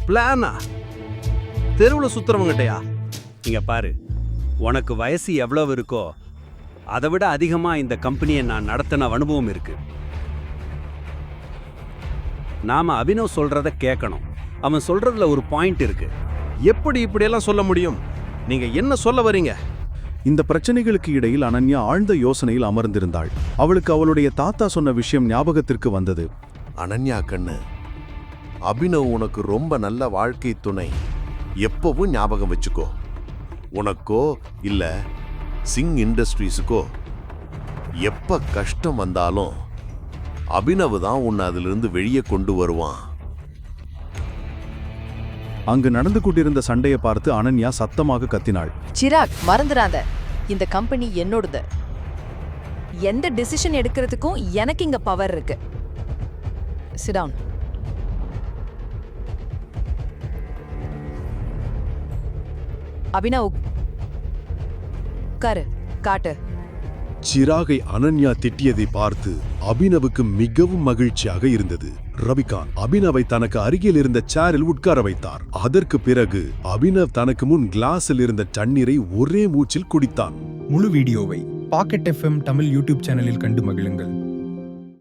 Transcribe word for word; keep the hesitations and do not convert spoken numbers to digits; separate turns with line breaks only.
பிளானா? தெருவில் சுத்துறவங்ககிட்டயா?
இங்க பாரு, உனக்கு வயசு எவ்வளவு இருக்கோ அதை விட அதிகமா இந்த கம்பெனியை நான் நடத்தின அனுபவம் இருக்கு. நாம அபினவ் சொல்றத கேட்கணும். அவன் சொல்றதுல ஒரு பாயிண்ட் இருக்கு.
எப்படி இப்படியெல்லாம் சொல்ல முடியும்? நீங்க என்ன சொல்ல வரீங்க?
இந்த பிரச்சனைகளுக்கு இடையில் அனன்யா ஆழ்ந்த யோசனையில் அமர்ந்திருந்தாள். அவளுக்கு அவளுடைய தாத்தா சொன்ன விஷயம் ஞாபகத்திற்கு வந்தது.
அனன்யா கண்ணு, அபினவ் உனக்கு ரொம்ப நல்ல வாழ்க்கை துணை. எப்பவும் ஞாபகம் வச்சுக்கோ. உனக்கோ இல்ல சிங் இண்டஸ்ட்ரீஸுக்கோ எப்ப கஷ்டம் வந்தாலும் அபினவ் தான் உன்னை அதிலிருந்து வெளியே கொண்டு வருவான்.
அங்கு நடந்து கொண்டிருந்த சண்டையை பார்த்து அனன்யா சத்தமாக கத்தினாள்.
சிராக், மறந்துடாத, இந்த கம்பெனி என்னோடது. எந்த டிசிஷன் எடுக்கிறதுக்கும் எனக்கு இங்க பவர் இருக்கு. Sit down. அபினவ், உட்காரு, காட்டு.
சிராகை அனன்யா திட்டியதை பார்த்து அபினவுக்கு மிகவும் மகிழ்ச்சியாக இருந்தது. ரவிகாந்த் அபினவை தனக்கு அருகில் இருந்த சேரில் உட்கார வைத்தார். அதற்கு பிறகு அபினவ் தனக்கு முன் கிளாஸில் இருந்த தண்ணீரை ஒரே மூச்சில் குடித்தான்.
முழு வீடியோவை பாக்கெட் எஃப்எம் தமிழ் யூடியூப் சேனலில் கண்டு மகிழுங்கள்.